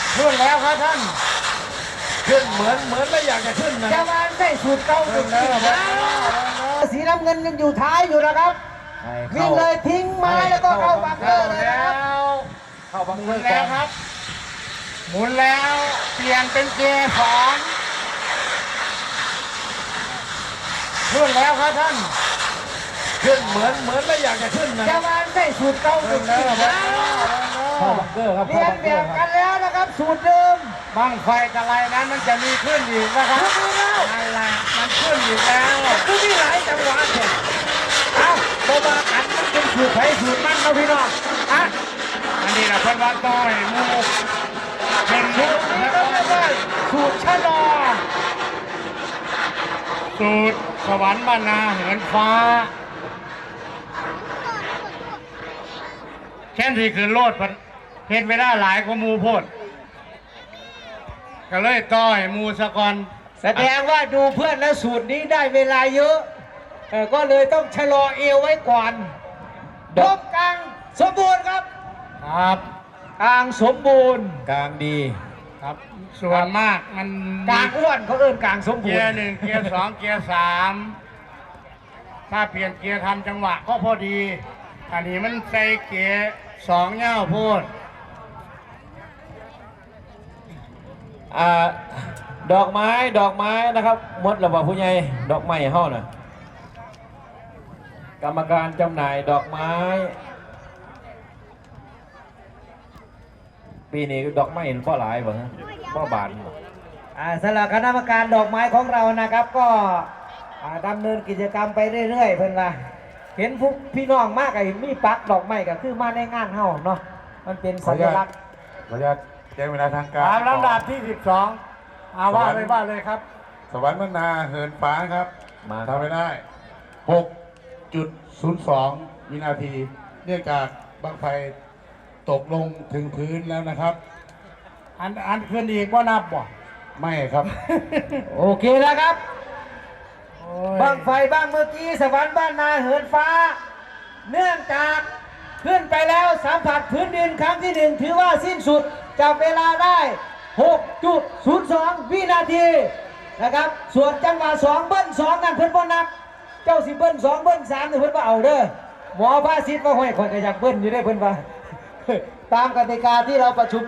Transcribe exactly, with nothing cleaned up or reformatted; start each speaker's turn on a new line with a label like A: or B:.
A: ขึ้นแล้วครับท่านขึ้นเหมือนเหมือนไม่อยากจะขึ้นนะ
B: จะมาได้สูตรเก่าสุดที่สีน้ำเงินยังอยู่ท้ายอยู่นะครับวิ่งเลยทิ้งไม้แล้วก็เข้าบังเกอร์เลยนะครับ
A: เข้าบังเกอร์แล้วครับหมุนแล้วเปลี่ยนเป็นเกียร์สองขึ้นแล้วครับท่านขึ้นเหมือนเหมือนไม่อยากจะขึ้นนะ
B: จะมาได้สูตรเก่าสุดที่
A: เข้าบังเกอร์ครับ
B: เรียนแบบกันแล้วนะครับสูตรเดิม
A: บังไฟกระไรนั้นมันจะมีขึ้นอีกนะครับนั่นแหละมันขึ้นอีกแล้ว
B: คือมีหลายจังหวะเนี่ยเอาตัวมาอันมันเป็นสูตรไผ่สูตรมันนะพี่น้องอ่ะ
A: อันนี้แหละเพิ่นว่าต้อยมูเป็นมุก
B: นี่ก็เรียกว่าสูตรชะลอ
A: สูตรสวรรค์บรรณาเหินฟ้าแค่ที่คืนโลดเห็นเวลาหลายกว่ามูโพดก็เลยต้อยมูสะกอน
B: แสดงว่าดูเพื่อนแล้วสูตรนี้ได้เวลาเยอะก็เลยต้องชะลอเอวไว้ก่อนดมกลางสมบูรณ์ครับ
A: ครับ
B: กลางสมบูรณ์
A: กลางดีครับส่วนมากมัน
B: กลางอ้วนเขาเอิ้นกลางสมบูรณ์
A: เกียร์หนึ่งเกียร์สองเกียร์สามถ้าเปลี่ยนเกียร์ทำจังหวะก็พอดีอันนี้มันใส่เกียร์สองเง่าพูด
C: อ่าดอกไม้ดอกไม้นะครับมดระบาผู้ใหญ่ดอกไม้ห่อน่ะกรรมการจำหน่ายดอกไม้ปีนี้ดอกไม้เห็นพ่อหลายบ่ฮะพ่อบาน
B: อ่าสำหรับคณะกรรมการดอกไม้ของเรานะครับก็ดำเนินกิจกรรมไปเรื่อยๆเพื่อนว่าเห็นพวกพี่น้องมากไอ้มีปักดอกไม้ก็คือมาในงานเฮาเนาะมันเป็นสัญลักษณ์
D: ขออนุญาตแจ้งเวลาทางการ
A: ตามลำดับที่สิบสองอาว่าเลยว่าเลยครับ
D: สวรรค์มนาเหินฟ้าครับมาทำไปได้ หกจุดศูนย์สอง วินาทีเนื่องจากบั้งไฟตกลงถึงพื้นแล้วนะครับ
A: อันอันคืนอีกว่านับบ่
D: ไม่ครับ
B: โอเคแล้วครับบ้างไฟบ้างเมื่อกี้สวรรค์บ้านนาเหินฟ้าเนื่องจากขึ้นไปแล้วสัมผัสพื้นดินครั้งที่หนึ่งถือว่าสิ้นสุดจับเวลาได้ หกจุดศูนย์สอง วินาทีนะครับส่วนจังหวะสองเบิ้ลสองนั่นเพิ่นบ่นับเจ้าสิเบิ้ลสองเบิ้ลสามเนี่ยเพิ่นบ่เอาเด้อหมอภาษิตว่าห้อยคนก็อยากเบิ้ลอยู่ได้เพิ่นว่าตามกติกาที่เราประชุม